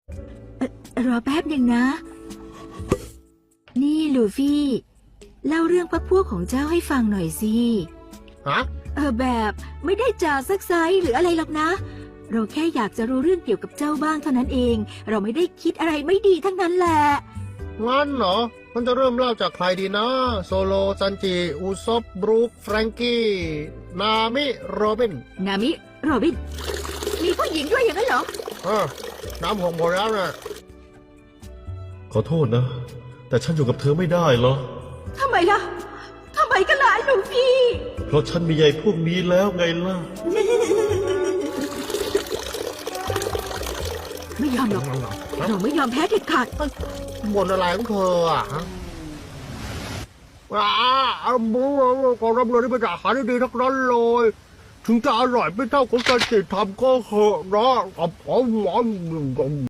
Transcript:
รอแป๊บหนึ่งนะ นี่ลูฟี่เล่าเรื่องพรรคพวกของเจ้าให้ฟังหน่อยสิฮะแบบไม่ได้จ่าซักไซหรืออะไรหรอกนะ เราแค่อยากจะรู้เรื่องเกี่ยวกับเจ้าบ้างเท่านั้นเอง เราไม่ได้คิดอะไรไม่ดีทั้งนั้นแหละงั้นเหรอมันจะเริ่มเล่าจากใครดีนะ โซโล ซันจิ อุซบบรูค แฟรงกี้ นามิ โรบินนามิโรบิน มีผู้หญิงด้วยอย่างนั้นเหรอน้ำหงหมดแล้วนะขอโทษนะ แต่ฉันอยู่กับเธอไม่ได้หรอทำไมล่ะ ทำไมกันล่ะลูฟี่เพราะฉันมีใยพวกนี้แล้วไงล่ะไม่ยอมหรอก เราไม่ยอมแพ้เด็ดขาดบ่นอะไรของเธออ่ะฮะขอรับเลยที่เป็นอาหารที่ดีทั้งนั้นเลย ถึงจะอร่อยไม่เท่าของการติดทำก็เหอะนะ